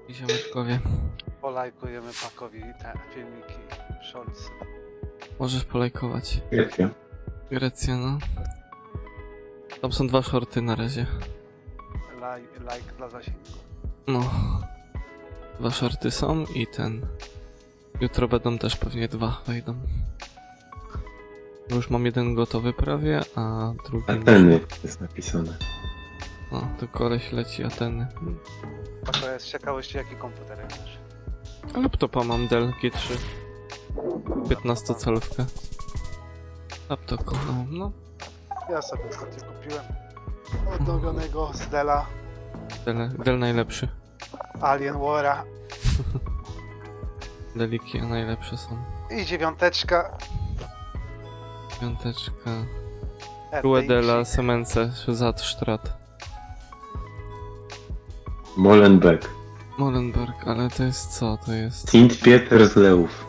Ziomeczkowie. Polajkujemy Pakowi te filmiki Scholz. Możesz polajkować. Grecja. Grecja, no. Tam są 2 shorty na razie. Like dla zasięgu. No. 2 shorty są i ten. Jutro będą też pewnie 2 wejdą. Już mam jeden gotowy prawie, a drugi... Ateny jest napisane. No, to koleś leci Ateny. Pako jest z ciekawości jaki komputer masz. Laptopa mam Dell G3. 15-calówkę. Laptop kocham, no. Ja sobie ostatnio kupiłem odnowionego z Della Dell najlepszy. Alien War'a Deliki najlepsze są. i 9. Piąteczka. RTX. Rue della Semence Strat. Molenbeek. Molenberg, ale to jest co? To jest... Sint Pieter z Leów.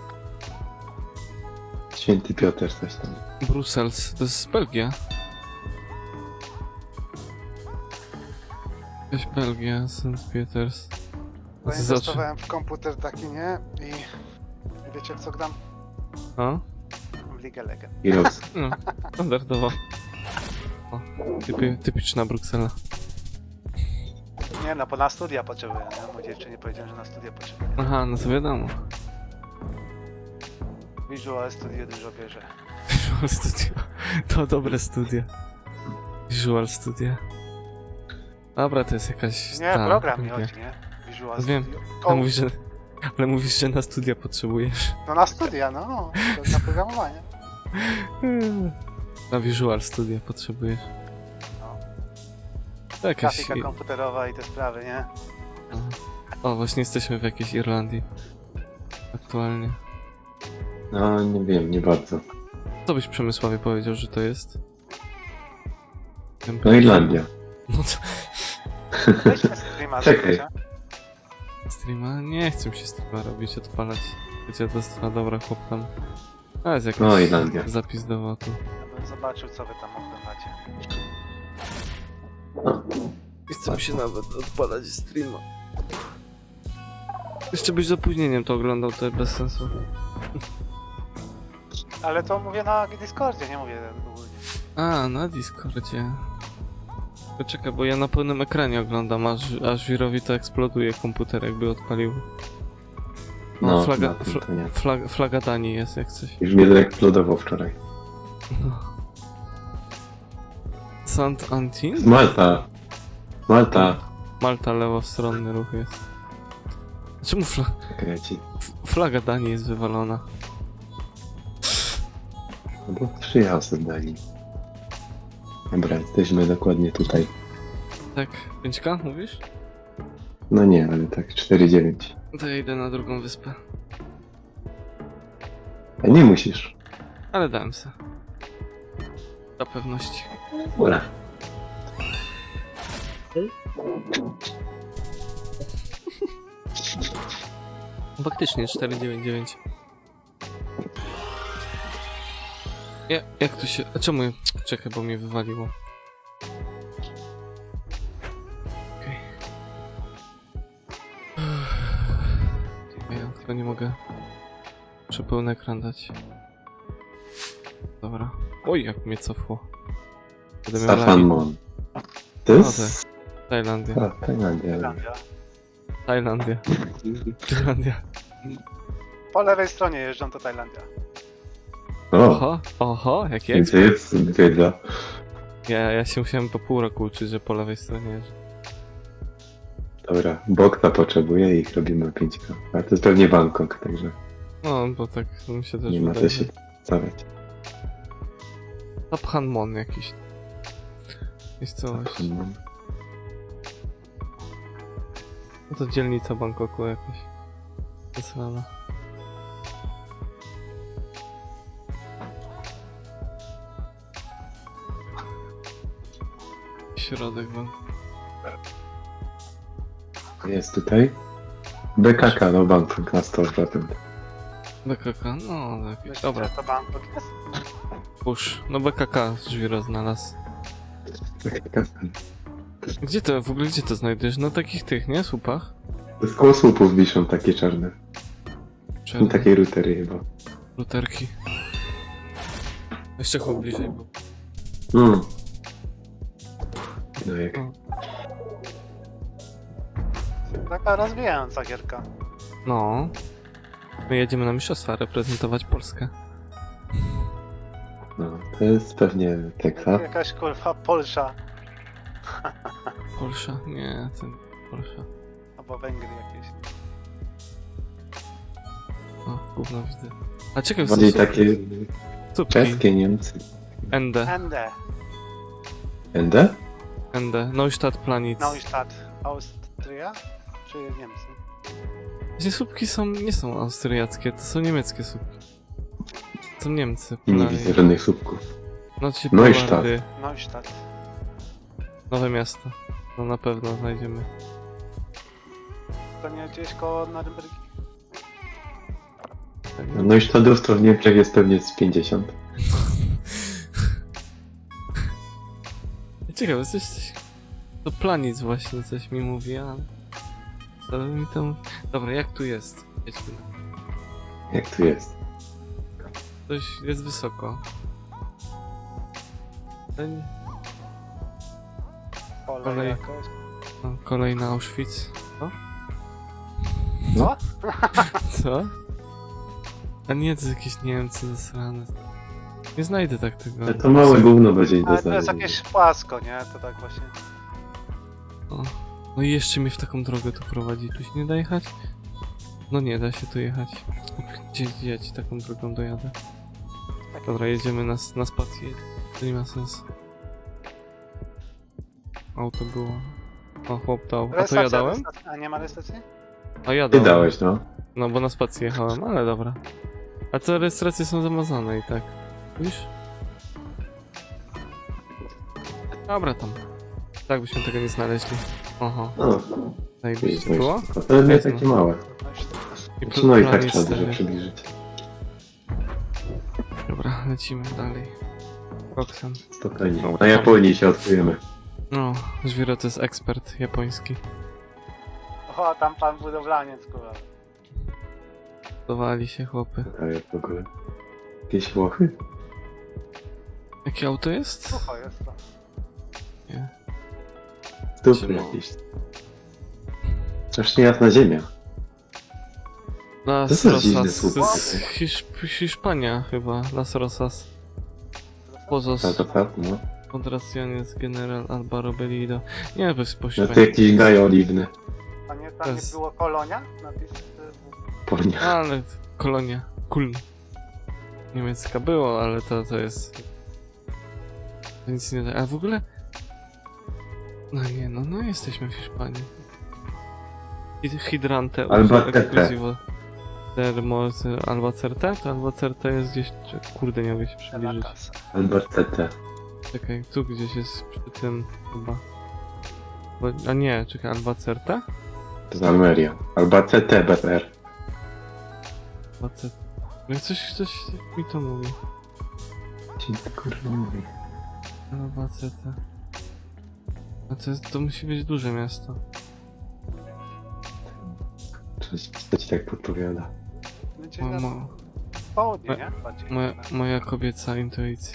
Święty Piotr, coś tam. Brussels, to jest Belgia. Jakaś Belgia, St. Peters. Zainwestowałem w komputer taki, nie? I wiecie w co gram? A? W League Legend. Heroes. No, standardowo. O, typiczna Bruksela. Nie no, bo na studia potrzebuję, nie? Mój dziewczynie powiedziałem, że na studia potrzebuję. Aha, no to wiadomo. Visual Studio dużo bierze. Visual Studio. To dobre studia. Visual Studia. Dobra, to jest jakaś... Nie, ta, program mi Belgia. chodzi, nie? Visual No wiem. Studio. Ale mówisz, że na studia potrzebujesz. No na studia, no. To na programowanie. Na Visual Studia potrzebujesz. No. To jakaś... Grafika komputerowa i te sprawy, nie? O, właśnie jesteśmy w jakiejś Irlandii. Aktualnie. No, nie wiem, nie bardzo. Co byś Przemysławie powiedział, że to jest? No Irlandia. No to... Weźmy streama, Czekaj. wiecie? Streama? Nie chcę mi się streama robić, odpalać. Wiecie, to jest... A dobra, chłop tam... A, jest jakiś No, Irlandia. zapis dowodu. Ja bym zobaczył, co wy tam oglądacie. No. Nie chcę mi się nawet odpalać streama. Jeszcze byś z opóźnieniem to oglądał, to bez sensu. Ale to mówię na Discordzie, nie mówię ogólnie. A, na Discordzie. To czekaj, bo ja na pełnym ekranie oglądam, aż Wirowi to eksploduje komputer, jakby odpalił. No, flaga, na tym to nie. flaga Danii jest jak coś. Już mnie zaeksplodował wczoraj. No. Sant Antin? Z Malta. Malta. Malta lewostronny ruch jest. Czemu Kreci. flaga Danii jest wywalona? No bo przyjechał z Danii. Dobra, jesteśmy dokładnie tutaj. Tak, 5K mówisz? No nie, ale tak 4,9. To ja idę na drugą wyspę. A nie musisz. Ale dałem se. Dla pewności. Ura. Faktycznie 499. Jak tu się... A czemu... Czekaj, bo mnie wywaliło. Okej. Ja tylko nie mogę... Muszę pełny ekran dać. Dobra. Oj, jak mnie cofło. Będę miał Stefan lagi. Mon. To jest... Tajlandia. A, Tajlandia. Irlandia. Tajlandia. Tajlandia. Po lewej stronie jeżdżą to Tajlandia. O, Oho, jaki gdzie jest wiedza? Ja się musiałem po pół roku uczyć, że po lewej stronie jeżdżę. Dobra, Bokta potrzebuje i ich robimy 5K. Ale to jest pewnie Bangkok, także No, bo tak mi się też nie ma co wydaje. się stawiać. Taphanmon jakiś. Miejscowość. No to dzielnica Bangkoku jakaś. Zasrana. Środek Bangkoku. Jest tutaj? BKK, no Bangkok na 100%. BKK, no jakieś. Myślicie, Dobra, że to Bangkok jest? push. No BKK Żwiro znalazł. BKK. Gdzie to, w ogóle gdzie to znajdujesz? Na takich tych, nie? Słupach? Z koło słupów wiszą takie czarne. I Czerwone. takie routery chyba. Luterki. Jeszcze chłop bliżej był. No jak... Taka rozwijająca gierka. No. My jedziemy na mistrzostwa reprezentować Polskę. No, to jest pewnie Teksas. Jakaś kurwa Polsza. Polsza? Nie, ten Polsza. Albo Węgry jakieś. O, gówno widzę. A ciekawe, są Bardziej takie słupki. czeskie Niemcy. ND. ND. ND? ND. Neustadt Planitz. Neustadt. Austria? Czy Niemcy? Właśnie słupki nie są austriackie, to są niemieckie słupki. To są Niemcy. I nie Polani. widzę żadnych słupków. No to się Neustadt. Polardy. Neustadt. Nowe miasto. No na pewno znajdziemy. To nie gdzieś koło Norymbergi? No i Stadów to w Niemczech jest pewnie z 50. Ciekawe, coś... To Planic właśnie coś mi mówi, a... To mi tam... Dobra, jak tu jest? Jedźmy. Jak tu jest? Coś jest wysoko. Ten... Pole Kolej. jakoś. No, kolejny Auschwitz. Co? Co? Co? A nie, to jakieś Niemcy zasrane. Nie znajdę tak tego. Ale to małe gówno będzie do Ale to jest znalezienia. jakieś płasko, nie? To tak właśnie. O. No i jeszcze mnie w taką drogę tu prowadzi. Tu się nie da jechać? No nie da się tu jechać. Gdzie ja ci taką drogą dojadę? Takie Dobra, jedziemy na spację. To nie ma sensu. Auto było. O, chłop dał. A to ja Restacja, dałem? restacja. A nie ma restacji? A ja Ty dałem. dałeś, no. No bo na spację jechałem, ale dobra. A te rejestracje są zamazane i tak. Widzisz? Dobra tam. Tak byśmy tego nie znaleźli. Oho, No, zajebiście było. ale nie takie małe. Neustadt. I Znaczy, no i tak planic trzeba dużo stary. przybliżyć. Dobra, lecimy dalej. Koksem. Spokojnie. Dobra. Na Japonii się odkryjemy. No, Żwiro to jest ekspert japoński. O, tam pan budowlaniec, kurwa. Dowali się chłopy. A jak w ogóle? Jakieś Włochy? Jakie auto jest? Sucho jest to. Nie. Stupy Siema. jakieś. Strasznie jasna ziemia. Las To są dziwne Rosas. słupy To jest takie. Hiszpania chyba. Las Rosas. Pozos. No. Kontraciones General Albaro Bellido. Nie, to jest po No to hiszpańsku. jakiś gaj oliwny. A nie, To tam nie jest- było kolonia? Napis... Ponia. Ale kolonia. Kuln. Niemiecka było, ale to jest... To nic nie da. A w ogóle... No nie, no jesteśmy w Hiszpanii. Hydrante Albacete. exclusivo Albacete? To Albacete jest gdzieś... Kurde, nie mogę się przybliżyć. Caracas. Albacete. Czekaj, tu gdzieś jest przy tym chyba. A nie, czekaj, Albacete? To z Almeria. Albacete BR. Albacete. No coś mi to mówi. Ci kurwa mówi. Albacete. A to musi być duże miasto. Co ci tak podpowiada? Będzie Mo, na mo, południe, nie? Bardziej. moja kobieca intuicja.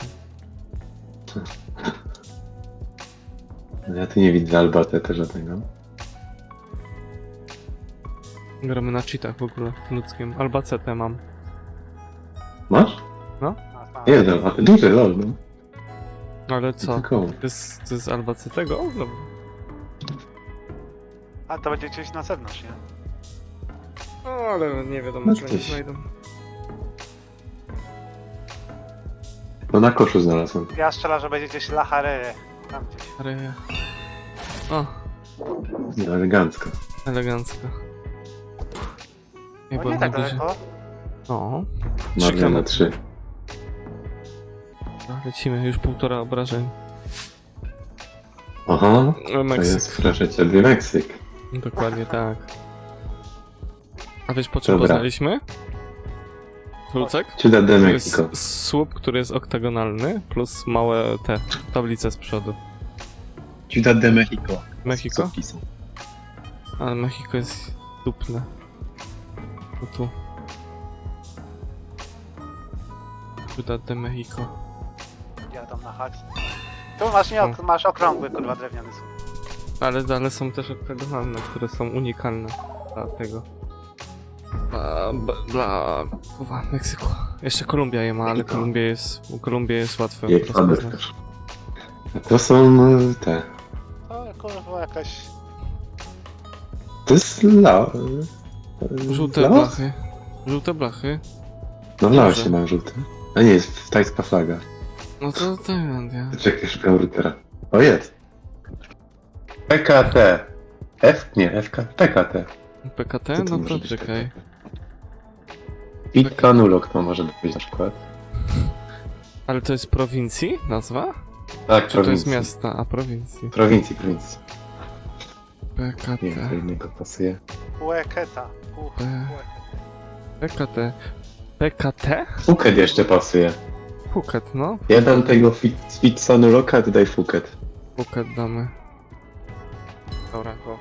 No ja tu nie widzę Albacete żadnego. Gramy na cheatach w ogóle, ludzkim. Albacete mam. Masz? A, Jest Albacete. Duże, lol, no. Ale co? Tylko. To jest Albacetego? O, dobra. A to będzie gdzieś na zewnątrz, nie? O, ale nie wiadomo, No czy oni gdzieś. znajdą. No na koszu znalazłem. Ja strzelam, że będzie gdzieś La Harere. Tam gdzieś. Ale... O, No, elegancko. elegancko. No nie tak daleko. O, Marlena 3. lecimy, już 1,5 obrażeń. Aha, to Meksyk. jest proszę ciebie Meksyk. Dokładnie tak. A wiesz po czym Dobra. poznaliśmy? Lucek? Ciudad de To Mexico. jest słup, który jest oktagonalny, plus małe te tablice z przodu. Ciudad de Mexico. Mexico? Zapisy. Ale Mexico jest Dupne. No tu. Ciudad de Mexico. Jadą na haks. Tu masz, nie, masz okrągły, kurwa, drewniany słup. Ale są też oktagonalne, które są unikalne dla tego. Kurwa, Meksyku. Jeszcze Kolumbia je ma, ale Kolumbia jest łatwe. I po prostu Ekwador znać. też. A to są te... O, kurwa, jakaś... To jest Żółte Laos? blachy. Żółte blachy. No w Dobrze. Laosie mam żółte. A nie, jest tajska flaga. No to Tajlandia. Czekaj, szukam routera. O, jest. PKT. PKT. PKT? Co to No może to być czekaj. I Kanulok to może być na przykład. Ale to jest prowincji nazwa? Tak, Czy to jest miasta? A prowincji. Prowincji. PKT. Nie wiem, co innego pasuje. Łeketa. PKT. PKT? Phuket jeszcze pasuje. Phuket, no. Ja dam tego Fitsanuloka, ty daj Phuket. Phuket damy. Dobra, go.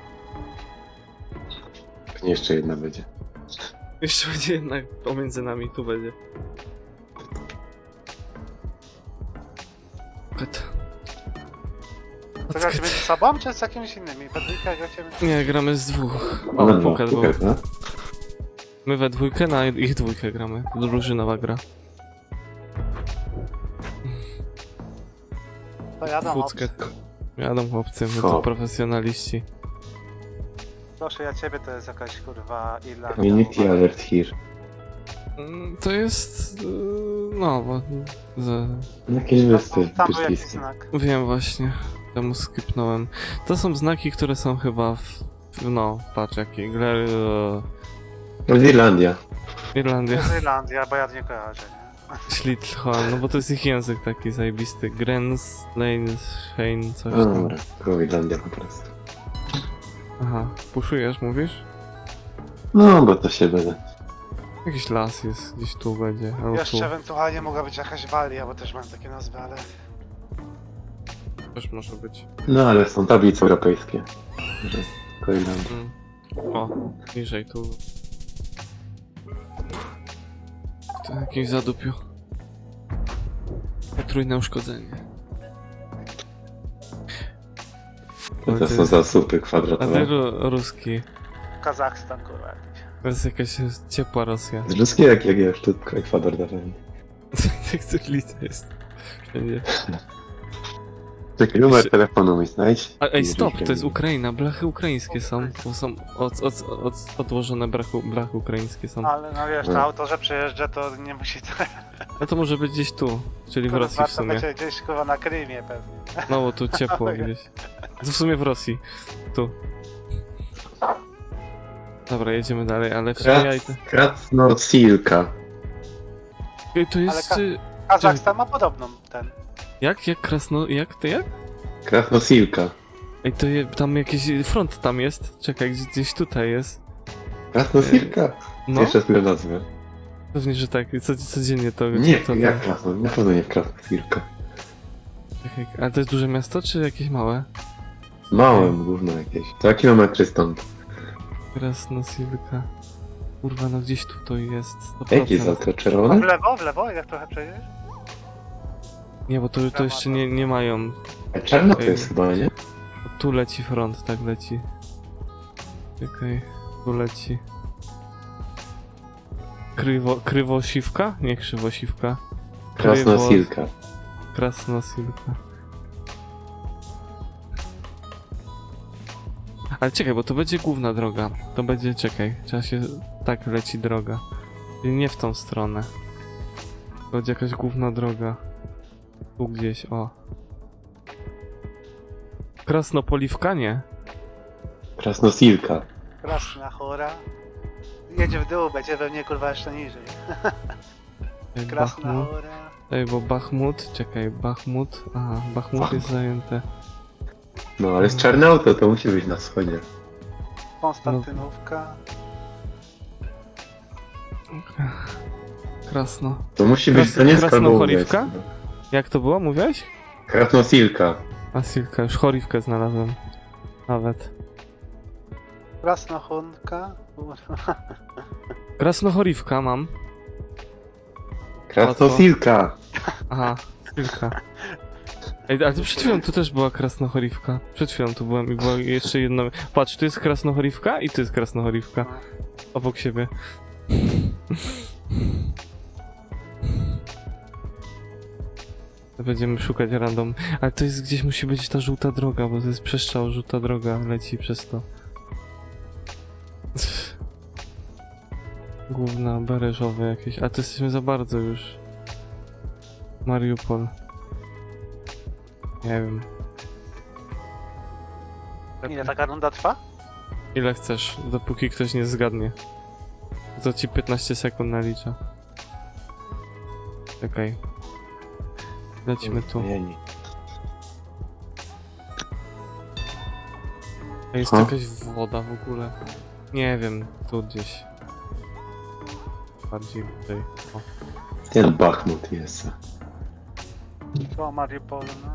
Pewnie jeszcze jedna będzie. Jeszcze będzie jednak pomiędzy nami, tu będzie. Phuket. To gracie między sobą, czy z jakimiś innymi? Pedryka gracie między... Nie, gramy z dwóch. No, O, Phuket był. Phuket, no. My we dwójkę, na ich dwójkę gramy. To drużynowa gra. To jadą Fuckę. obcy. Jadą chłopcy, my O. to profesjonaliści. Proszę, ja ciebie to jest jakaś, kurwa, Irlandia. Community alert here. To jest... no, bo... Jakieś wyspy Tam był jakiś brytyjskie. znak. Wiem właśnie. Temu skipnąłem. To są znaki, które są chyba no, patrz jakie. No Irlandia. To Irlandia. jest Irlandia, bo ja nie kojarzę, nie? Schlitholm, no bo to jest ich język taki zajebisty. Grens, Lane, Shane, coś No tam. dobra, tylko Irlandia po prostu. Aha, puszujesz, mówisz? No, bo to się będę. Jakiś las jest, gdzieś tu będzie, albo tu. Jeszcze ewentualnie mogła być jakaś Walia, bo też mam takie nazwy, ale... Też może być. No, ale są tablice europejskie. Że tylko Irlandia. O, niżej tu. To jakimś zadupiu. Potrójne uszkodzenie. No to są zasupy kwadratowe. Ale ruski. Kazachstan, kurwa, jakiś. To jest jakaś ciepła Rosja. Z Ruski jak już tu Ekwador dawali. Tak cyklica jest. Wszędzie. Czekaj, numer telefonu mi znajdź. Ej, stop, to jest Ukraina, blachy ukraińskie są. To są odłożone blachy ukraińskie są. Ale no wiesz, na autorze przejeżdża, to nie musi to... Ale to może być gdzieś tu, czyli w Kurwa, Rosji w to sumie. będzie gdzieś, kurwa, na Krymie pewnie. No bo tu ciepło gdzieś. To w sumie w Rosji. Tu. Dobra, jedziemy dalej, ale w sumie Krasnosilka. Ej, to jest... Ale Kazachstan ma podobną ten. Jak Krasno... Jak? Krasnosilka. Ej, to tam jakiś front tam jest. Czekaj, gdzieś tutaj jest. Krasnosilka? No, Jeszcze chwilę nazwę. pewnie, że tak. Codziennie to... Nie, to jak Krasno? Na pewno nie Krasnosilka. Czekaj, ale to jest duże miasto, czy jakieś małe? Małe, gówno jakieś. 2 kilometry stąd. Krasnosilka. Kurwa, no gdzieś tu to jest. 100%. Jakie jest auto? A Czerwone? w lewo, jak trochę przejedziesz? Nie, bo to jeszcze nie mają. Czarno to jest chyba, nie? Tu leci front, tak leci. Czekaj, tu leci. Krywosiwka? Nie krzywosiwka. Krasnosilka. Krasnosilka. Ale czekaj, bo to będzie główna droga. To będzie, czekaj, trzeba się... Tak leci droga. Czyli nie w tą stronę. To będzie jakaś główna droga. Tu gdzieś, o. Krasnopoliwka? Nie. Krasnosilka. Krasna chora. Jedzie w dół, będzie we mnie, kurwa, jeszcze niżej. Krasna Bachmut. chora. Ej, bo Bachmut, czekaj, Bachmut. Aha, Bachmut jest zajęte. No, ale z czarne auto to musi być na wschodzie. Konstantynówka. Krasno. To musi być, to nie jest Krasnochorivka? Karbowe. Jak to było, mówiłeś? Krasnosilka. A Silka, już chorivkę znalazłem. Nawet. Krasnochunka. Kurwa. Krasnochorivka mam. Krasnosilka! Aha, chwilka. Ej, ale to przed chwilą tu też była krasnochorivka. Przed chwilą tu byłem i była jeszcze jedna... Patrz, tu jest krasnochorivka i tu jest krasnochorivka. Obok siebie. Będziemy szukać random. Ale to jest gdzieś musi być ta żółta droga, bo to jest przestrzał, żółta droga leci przez to. Główna, bereżowe jakieś. A to jesteśmy za bardzo już. Mariupol. Nie wiem. Ile taka runda trwa? Ile chcesz, dopóki ktoś nie zgadnie. To ci 15 sekund nalicza. Czekaj. Lecimy tu. Zmieni. A jest Ha? jakaś woda w ogóle. Nie wiem, tu gdzieś. Bardziej tutaj. O. Ten Bachmut jest. To Mariupol, no.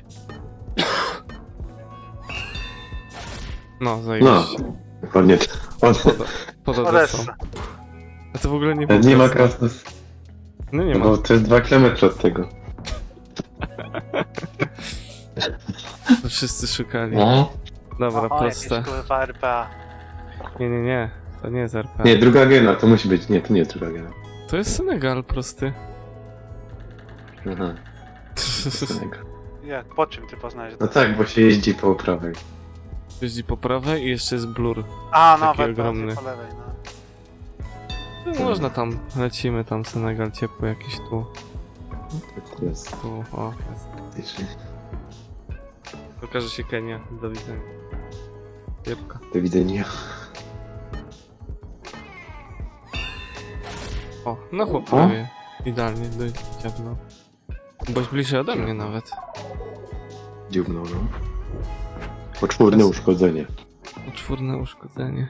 No, No, zajebiście. dokładnie. Pod Odessą. Odessa. A to w ogóle nie Nie ma Odessa. Krasnos... No nie ma. Bo to jest 2 km od tego. To wszyscy szukali. No. Dobra, O, jakieś proste. kurwa RPA. Nie. To nie jest RP. Nie, druga gena, to musi być. Nie, to nie jest druga gena. To jest Senegal prosty. Aha, Senegal. Jak, po czym ty poznajesz? No tak, bo się jeździ po prawej. Jeździ po prawej i jeszcze jest blur. A, no, taki we ogromny. po lewej, no. No, można tam, lecimy tam, Senegal ciepły jakiś tu. To jest Tu, o, jest. faktycznie. Pokaże się Kenia, do widzenia. Jebka. Do widzenia. O, no chłop prawie. Idealnie, ciepło. Byłeś bliżej ode mnie nawet. Dziubnął, no. Poczwórne uszkodzenie. Poczwórne uszkodzenie.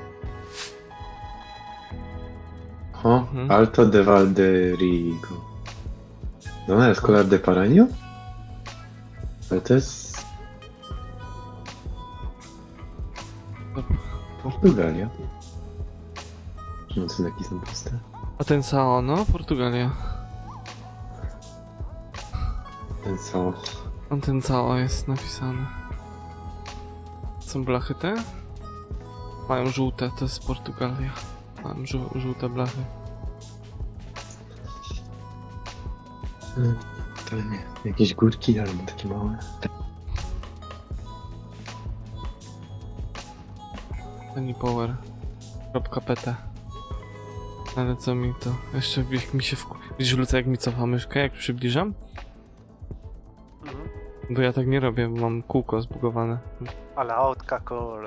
O, Mhm. Alto de Valderigo. No, Escolar de Paranio? Ale to jest... Portugalia. No, znaki są puste. A ten Sao, no, Portugalia. Ten są... On ten Sao jest napisany. Są blachy te? Mają żółte, to jest Portugalia. Mam żółte blachy. To nie. Jakieś górki albo takie małe. Pennypower.pt. Ale co mi to? Jeszcze jak mi się Widzisz, Luca, jak mi cofa myszkę, jak przybliżam? Mhm. Bo ja tak nie robię, bo mam kółko zbugowane. Ale autka, kurwa.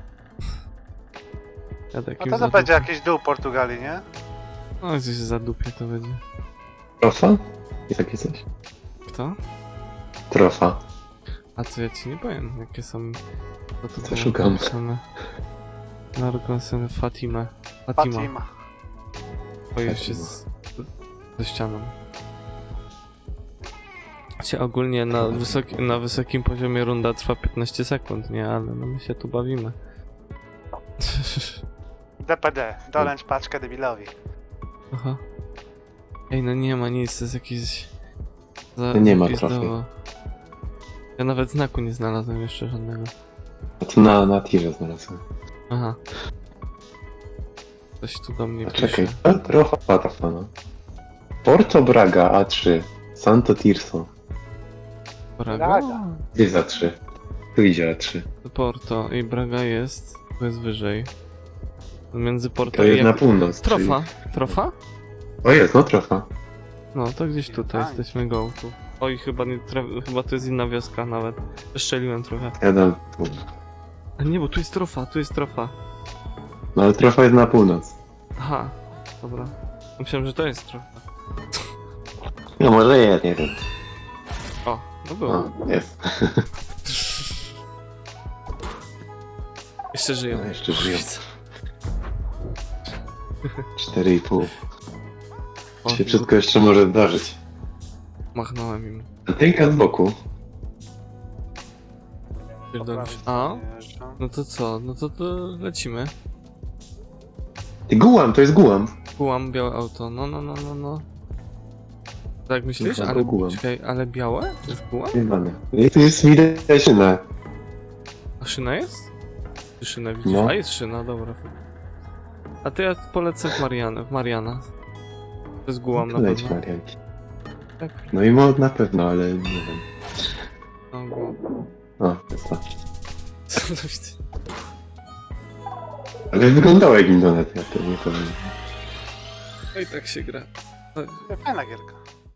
Jadę No jakimś to zadupie. będzie jakiś dół Portugalii, nie? No, gdzieś zadupie to będzie. Trofa? I takie coś? Kto? Trofa. A co ja ci nie powiem, jakie są... Co tu Co było szukam? napisane? Narkosem Fatima. Fatima. O, już jest ze ścianą. Się ogólnie na wysokim poziomie runda trwa 15 sekund, nie? Ale no my się tu bawimy. DPD. Dolęcz paczkę debilowi. Aha. Ej, no nie ma nic, to jest jakiś... Nie ma zapizdowo. Ja nawet znaku nie znalazłem jeszcze żadnego. A to na tirze znalazłem. Aha. Coś tu do mnie A pisze. czekaj, Trofa, no. Porto Braga A3. Santo Tirso. Braga? Braga. Gdzie jest A3? Tu idzie A3. Porto i Braga jest, to jest wyżej. Między Porto To i... jest na północ. Trofa? Trofa? Czyli... O jest, no Trofa. No, to gdzieś tutaj Nice. jesteśmy go tu. Oj, chyba to jest inna wioska nawet. Przestrzeliłem trochę. Ja dam tu. A nie, bo tu jest Trofa. No ale Trofa jest na północ. Aha, dobra. Myślałem, że to jest Trofa. No może jest, nie wiem. O, no było. O, jest. Jeszcze żyją. No, jeszcze żyją. 4,5. O, Się wszystko jeszcze może zdarzyć. machnąłem im. Antynka z boku. Pierdolisz. prawej A? stronie jeżdżą. No to co? No to lecimy. Ty gułam, to jest gułam. Kułam białe auto. No. Tak myślisz? Kurwa, Ale, to gułam. czekaj, ale białe? To jest kułam? Jebane. I tu jest widać szyna. A szyna jest? Ty szynę widzisz? No. A jest szyna, dobra. A to ja polecę w Mariana. To jest gułam na Leć pewno. Marianki. Tak, No i mod na pewno, ale nie wiem. no gułam. O, to jest to. Co to widzę? Ale wyglądało jak Indonetia, to nie powiem. No i tak się gra. Fajna gierka.